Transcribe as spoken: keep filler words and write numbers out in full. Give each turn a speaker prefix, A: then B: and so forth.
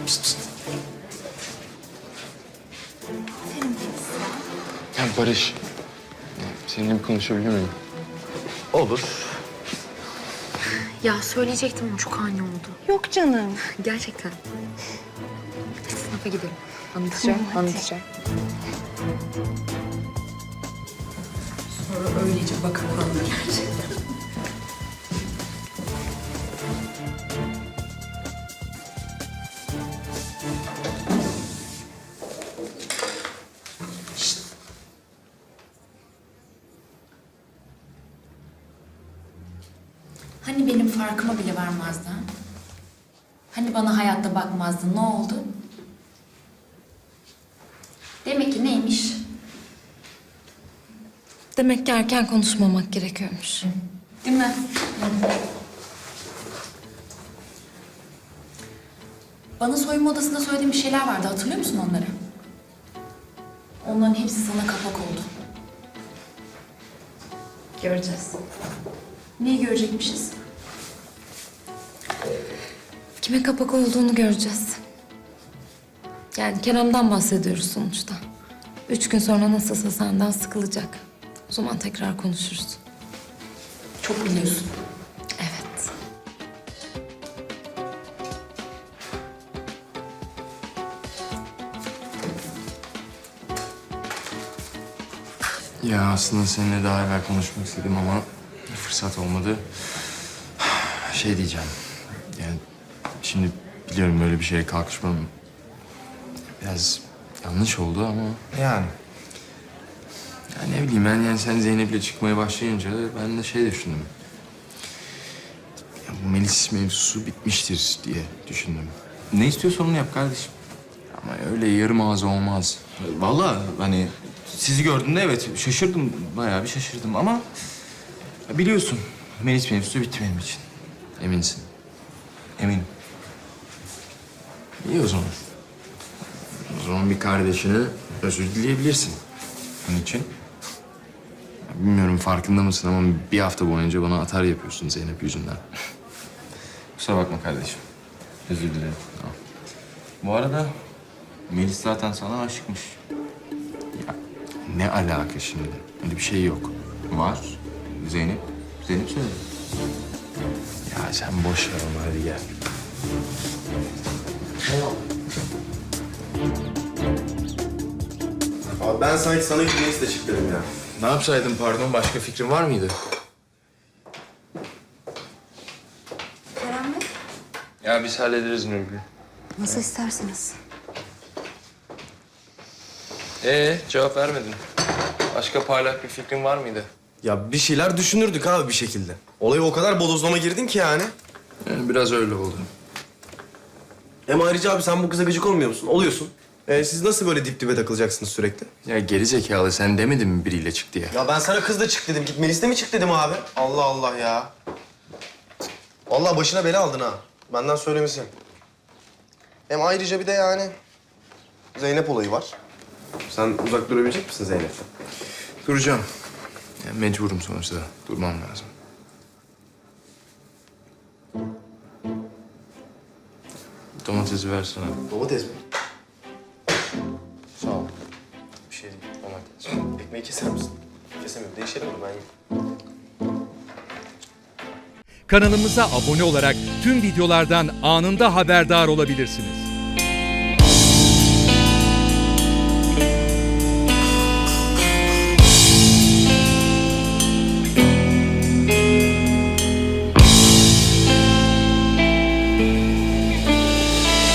A: Ya Barış, seninle bir konuşabilir miyim?
B: Olur.
C: Ya söyleyecektim ama çok ani oldu.
D: Yok canım.
C: Gerçekten. Hadi sınıfa gidelim. Anlatacağım,
D: Tamam, hadi.
C: anlatacağım. Sonra öylece bakıp anlatacağım.
E: Hani benim farkıma bile varmazdın? Ha? Hani bana hayatta bakmazdın? Ne oldu? Demek ki neymiş?
F: Demek ki erken konuşmamak gerekiyormuş.
E: Değil mi? Bana soyunma odasında söylediğim bir şeyler vardı. Hatırlıyor musun onları? Onların hepsi sana kapak oldu.
F: Göreceğiz.
E: Neyi görecekmişiz?
F: Kime kapak olduğunu göreceğiz. Yani Kerem'den bahsediyoruz sonuçta. Üç gün sonra nasılsa senden sıkılacak. O zaman tekrar konuşuruz.
E: Çok biliyorsun.
F: Evet.
A: Ya aslında seninle daha evvel konuşmak istedim ama fırsat olmadı. Şey diyeceğim, yani şimdi biliyorum böyle bir şeye kalkışmam biraz yanlış oldu ama...
B: Yani.
A: Ya ne bileyim ben, yani sen Zeynep'le çıkmaya başlayınca ben de şey düşündüm. Ya bu Melis mevzusu bitmiştir diye düşündüm. Ne istiyorsan onu yap kardeşim. Ama öyle yarım ağız olmaz.
B: Vallahi hani sizi gördüğümde evet şaşırdım. Bayağı bir şaşırdım ama... Biliyorsun Melis mevzusu bitti benim için.
A: Eminsin.
B: Eminim.
A: İyi o zaman. O zaman bir kardeşine özür dileyebilirsin.
B: Onun için.
A: Ya bilmiyorum farkında mısın ama bir hafta boyunca bana atar yapıyorsun Zeynep yüzünden.
B: Kusura bakma kardeşim. Özür dilerim. Tamam. Bu arada Melis zaten sana aşıkmış.
A: Ya ne alaka şimdi? Öyle bir şey yok.
B: Var. Zeynep. Zeynep söyledi.
A: Ya sen boş ver onu, hadi gel.
G: Abi ben sanki sana gitmeyi de çık dedim ya.
A: Ne yapsaydım pardon? Başka fikrin var mıydı?
D: Kerem Bey,
A: Ya biz hallederiz Nurgül.
D: nasıl isterseniz.
A: Ee cevap vermedin. Başka parlak bir fikrin var mıydı?
G: Ya bir şeyler düşünürdük abi bir şekilde. Olaya o kadar bodozlama girdin ki yani.
A: Yani biraz öyle oldu.
G: Hem ayrıca abi sen bu kıza gıcık olmuyor musun? Oluyorsun. Ee, siz nasıl böyle dip dibe takılacaksınız sürekli?
A: Ya geri zekalı, sen demedin mi biriyle çık diye?
G: Ya ben sana kızla çık dedim. Git Melis'le mi çık dedim abi? Allah Allah ya. Vallahi başına bela aldın ha. Benden söylemesi. Hem ayrıca bir de yani Zeynep olayı var. Sen uzak durabilecek misin Zeynep'ten?
A: Duracağım. Ya mecburum sonuçta. Durmam lazım. Domatesi versene.
G: Domates mi?
A: Sağ ol.
G: Bir şey değil. Domates. Ekmeği keser misin? Kesemiyorum. Değişelim mi? Ben yiyeyim.
H: Kanalımıza abone olarak tüm videolardan anında haberdar olabilirsiniz.